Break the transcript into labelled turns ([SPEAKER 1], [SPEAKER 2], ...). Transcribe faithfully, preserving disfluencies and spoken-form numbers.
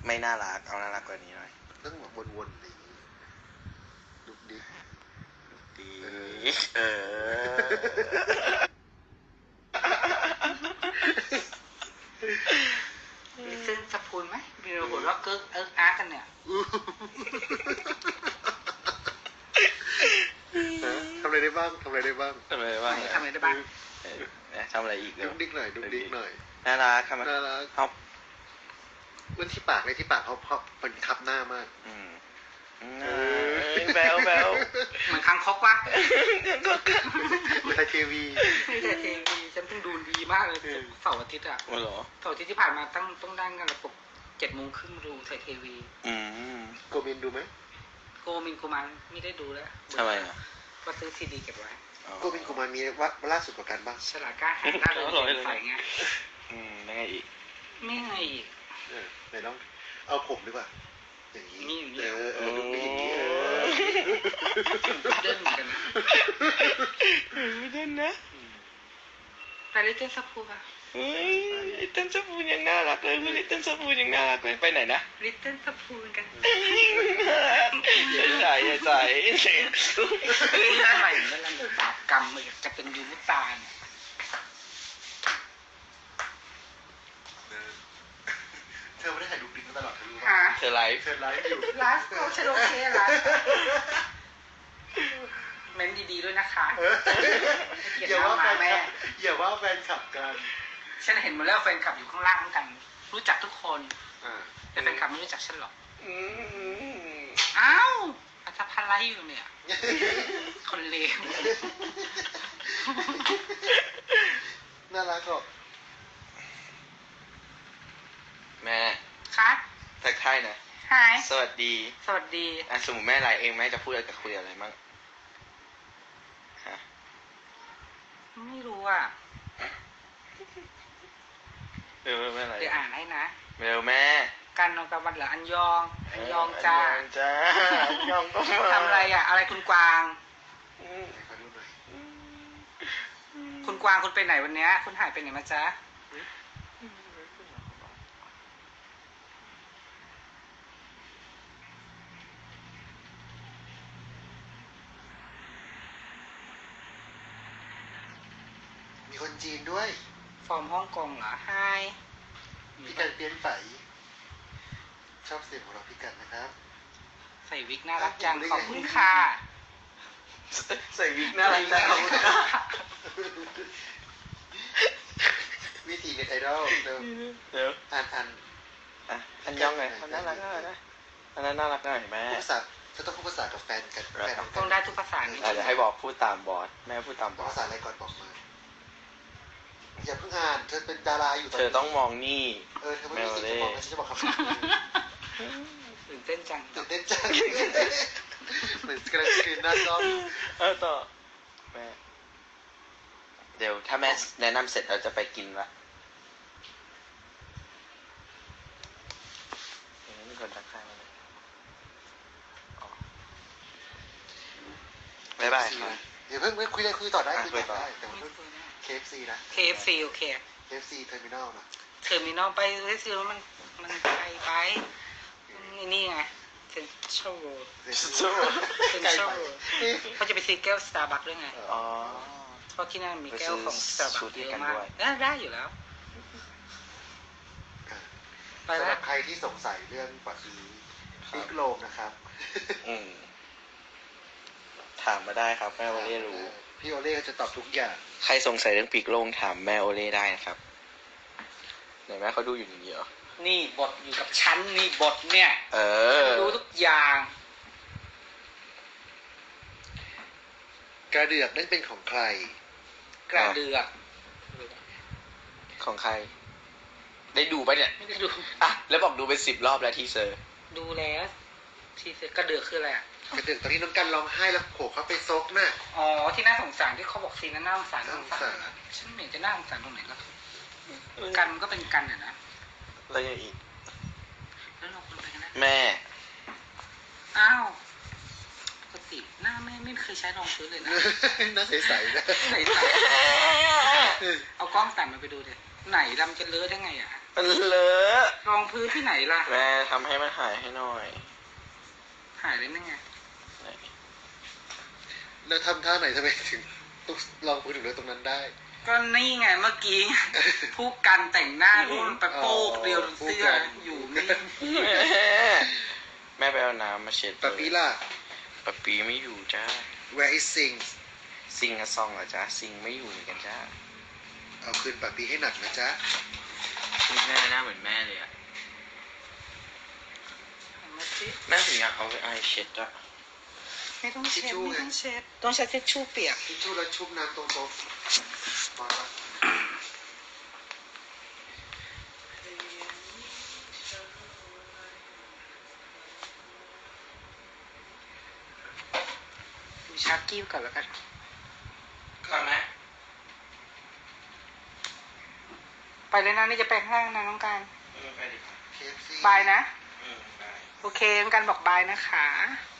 [SPEAKER 1] ไม่น่ารักเอาน่ารักกว่านี้หน่อย
[SPEAKER 2] ต้องแบบวนๆอะไรอย่างงี้ดุกดิก
[SPEAKER 1] ดีเออ
[SPEAKER 3] มีซึ่งสะพูนไหมมีเราหัวเราะเกิ๊กเอิ๊กอาร์กันเนี่ย
[SPEAKER 2] ทำอะไรได้บ้างทำอะไรได้บ้าง
[SPEAKER 1] ทำอะไรบ้าง
[SPEAKER 3] ทำอะไรได้บ้าง
[SPEAKER 1] ทำอะไรอีก
[SPEAKER 2] ดุกดิกหน่อยดุกดิกหน่อย
[SPEAKER 1] น่ารักครับ
[SPEAKER 2] น่ารัก
[SPEAKER 1] เขา
[SPEAKER 2] มันที่ปากเลยที่ปากเขาเขามันทับหน้ามาก
[SPEAKER 1] อืมแบลแบล
[SPEAKER 3] เหมือนคางคกวะ
[SPEAKER 2] ไทยทีวี
[SPEAKER 3] ไม่ใช่ทีวีฉันเพิ่งดูดีมากเลยเสาร์อาทิตย์อ่ะ
[SPEAKER 1] อ๋อเหรอ
[SPEAKER 3] เสาร์อาทิตย์ที่ผ่านมาตั้งต้องดังกันระบบเจ็ดโมงครึ่งดูไทยทีวี
[SPEAKER 1] อืม
[SPEAKER 2] โกมินดูไหม
[SPEAKER 3] โกมินกูมันไม่ได้ดูแล้ว
[SPEAKER 1] ทำไมอ่ะ
[SPEAKER 3] ก็ซื้อซีดีเก็บไว้
[SPEAKER 2] โกมินกูมันมีว่าล่าสุดกว่ากันบ้าง
[SPEAKER 3] ฉลาดกล้าหาญน่าเลยใส่ไง
[SPEAKER 1] อืมยังไงอีก
[SPEAKER 3] ไม่ไงอีก
[SPEAKER 2] เออไหนลองเอาผมดีกว่าอย่างนี้เออเออดู
[SPEAKER 3] ไม่
[SPEAKER 2] อย่างนี้เออ
[SPEAKER 3] เดินเหมือนกันนะ
[SPEAKER 1] ไม่เดินนะ
[SPEAKER 3] ไปลิตเติ้ลซับพูป่ะ
[SPEAKER 1] เฮ้ยลิตเติ้ลซับพูยังน่ารักเลยลิตเติ้ลซับพูยังน่ารักเลยไปไหนนะ
[SPEAKER 3] ลิตเติ้ลซับพูกัน
[SPEAKER 1] ใส่ใส่ใส่
[SPEAKER 3] ทำไมมันลำบากกรรมเหมือนจะเป็นยูมุตาเนี่ย
[SPEAKER 2] เธอไม่ได้ถ่ายดูดิกมาตลอดเธอรู้
[SPEAKER 3] ป่ะ
[SPEAKER 1] เธอไลฟ์
[SPEAKER 2] เธอไลฟ์อยู่
[SPEAKER 3] ไลฟ์เขาฉันโอเคไลฟ์เม้นดีๆด้วยนะคะ
[SPEAKER 2] อย่าว่าแฟนคลับอย่าว่าแฟนคลับกัน
[SPEAKER 3] ฉันเห็นมาแล้วแฟนคลับอยู่ข้างล่างกันรู้จักทุกคนแต่แฟนคลับไม่รู้จักฉันหรอกอ้าวอาจจะพันไลฟ์อยู่เนี่ยคนเลว
[SPEAKER 2] น่ารักหรอก
[SPEAKER 1] แม่
[SPEAKER 3] คะ
[SPEAKER 1] ทักทายนะ
[SPEAKER 3] ฮาย
[SPEAKER 1] สวัสดี
[SPEAKER 3] สวัสดี
[SPEAKER 1] อ่ะสมมติแม่ไลฟ์เองแม่จะพูดอะไรกับคุยอะไรมั่งฮะ
[SPEAKER 3] ไม่รู้อ่ะ
[SPEAKER 1] เร็วแม่ไลฟ์
[SPEAKER 3] เดี๋ยวอ่านให้นะ
[SPEAKER 1] เร็วแม่
[SPEAKER 3] กันนองตะวันเหรออันยองอันยองจ้า
[SPEAKER 1] จ้าอันยองก็มา
[SPEAKER 3] ทำอะไรอ่ะอะไรคุณกวางคุณกวางคุณไปไหนวันนี้คุณหายไปไหนมาจ๊ะ
[SPEAKER 2] มีคนจีนด้วย
[SPEAKER 3] ฟอร์มฮ่องกงเหรอไฮ
[SPEAKER 2] พี่กันเปลี่ยนไปชอบเสียงของเราพี่กันนะครับ
[SPEAKER 3] ใส่วิกน่ารักจังขอบคุณค่ะ
[SPEAKER 1] ใส่วิกน่ารักจังขอบคุณค่ะ
[SPEAKER 2] วิธีเน็ตไอดอลเร็ว
[SPEAKER 1] เร็ว
[SPEAKER 2] อ่านอ่าน
[SPEAKER 1] อ่ะอันยองไงเขาน่ารักน่ารักนะอันนั้นน่ารักหน่อยแม่
[SPEAKER 2] ภาษาจะต้องพูดภาษากับแฟนกันแฟน
[SPEAKER 3] ต้องได้ทุกภาษานี่
[SPEAKER 1] เดี๋ยวให้บอกพูดตามบอสแม่พูดตามบอส
[SPEAKER 2] ภาษาอะไรก่อนบอกมาอย่าเพิ่งอ่านเธอเป็นดาราอยู่
[SPEAKER 1] เธอต้องมองนี่
[SPEAKER 2] เออเธอไม่มีสิทธิ์จะบอกนะฉันจะบอกคำ
[SPEAKER 3] ตื่นเต้นจัง
[SPEAKER 2] ตื่นเต้นจังเหมือนสกรีนสกรีนหน้าจอ
[SPEAKER 1] เออต่อแม่เดี๋ยวถ้าแม่แนะนำเสร็จเราจะไปกินละมีคนทักทายมาเลยบ๊ายบายครับ
[SPEAKER 2] เดี๋ยวเพิ่งไม่คุยเลยคุยต่อได้คุยต่อได้แต่ว่าเค เอฟ ซี นะ
[SPEAKER 3] เค เอฟ ซี โอเค
[SPEAKER 2] เค เอฟ ซี Terminal นะ
[SPEAKER 3] เทอร์มินอลไปเค เอฟ ซีแล้วมันมันไกลไปนี่ไงเซ็นทรัลเวิลด์เซ็นทรัลเวิลด์เขาจะไปซื้อแก้วสตาร์บัคด้วยไง
[SPEAKER 1] อ๋อ
[SPEAKER 3] เพราะที่นั่นมีแก้วของสตาร์บัคเยอะมากได้อยู่แล้ว
[SPEAKER 2] สำหรับใครที่สงสัยเรื่องปักอีบิ๊กโลมนะครับ
[SPEAKER 1] ถามมาได้ครับแม่โอเล่รู้
[SPEAKER 2] พี่โอเล่จะตอบทุกอย่าง
[SPEAKER 1] ใครสงสัยเรื่องปีกโลงถามแม่โอเล่ได้นะครับไหนแม่เขาดูอยู่อย่างนี้เหรอ
[SPEAKER 3] นี่บทอยู่กับฉันนี่บทเนี่ย
[SPEAKER 1] เออ
[SPEAKER 3] รู้ทุกอย่าง
[SPEAKER 2] กระเดือกนั่นเป็นของใคร
[SPEAKER 3] กระเดือก
[SPEAKER 1] ของใครได้ดูปะเนี่ย
[SPEAKER 3] ไม่ได้ดู
[SPEAKER 1] อ่ะแล้วบอกดูไปสิบรอบแล้วทีเซอร์
[SPEAKER 3] ดูแล้วทีเซอร์กระเดือกคืออะไรอ่ะ
[SPEAKER 2] กระเดือกตอนที่น้องกันร้องไห้แล้วโผล่เข้าไปซกน่ะ
[SPEAKER 3] อ๋อที่น่าสงสารที่เขาบอกซีนนั้นน่าสงสารน่าสงสารฉันไม่เห็นจะน่าสงสารตรงไหนแล้วกันก็เป็นกันอ่ะนะ
[SPEAKER 1] แล้วยังอีก
[SPEAKER 3] แล้วเราคนไปกันนะ
[SPEAKER 1] แม่
[SPEAKER 3] อ้าวปกติหน้าแม่ไม่เคยใช้รองพื้นเลยนะ
[SPEAKER 2] หน้าใสๆนะ
[SPEAKER 3] ใสๆเอากล้องสั่นมาไปดูดิไหนลำจะเลอะได้ไงอ่ะ
[SPEAKER 1] มันเลอะ
[SPEAKER 3] รองพื้นที่ไหนล่ะ
[SPEAKER 1] แม่ทำให้มันหายให้หน่อย
[SPEAKER 3] หายได้ไหมไง
[SPEAKER 1] ไหน
[SPEAKER 2] แล้วทำท่าไหนทำไมถึงต้องลองพูดถึงเรื่องตรงนั้นได้
[SPEAKER 3] ก็นี่ไงเมื่อกี้ ผู้กันแต่งหน้ารุ่นไปโป๊กเดียวเสื้ออยู่นี่
[SPEAKER 1] แม่แม่ไปเอาน้ำมาเช็ด
[SPEAKER 2] ปะปีล่ะ
[SPEAKER 1] ปะปีไม่อยู่จ้า
[SPEAKER 2] where is sing
[SPEAKER 1] ซิงกับซองเหรอจ้าซิงไม่อยู่เหมือนกันจ้า
[SPEAKER 2] เอาคืนปะปีให้หนักนะจ๊ะ
[SPEAKER 1] นี่แม่หน้าเหมือนแม่เลยอะ
[SPEAKER 3] มาสิ
[SPEAKER 1] แม่ถึงอยากเอาไปไอเช็ดอะ
[SPEAKER 3] ไม่ต้องเช็ดไม่ต้องเช็ดต้องใช้เช็ดชู่เปียก
[SPEAKER 2] ทิชชู่แล้วชุบน้ำตรงโต๊ะมาละ
[SPEAKER 3] ดูชาร์กิ้วก่อนแล้วกัน
[SPEAKER 1] ก่อนไหม
[SPEAKER 3] ไปเลยนะนี่จะไปข้างล่างนะน้องการ
[SPEAKER 1] ไปดิ
[SPEAKER 2] เค เอฟ ซี
[SPEAKER 3] บายนะ
[SPEAKER 1] อืมไป
[SPEAKER 3] โอเคน้องการบอกบายนะคะ
[SPEAKER 1] บ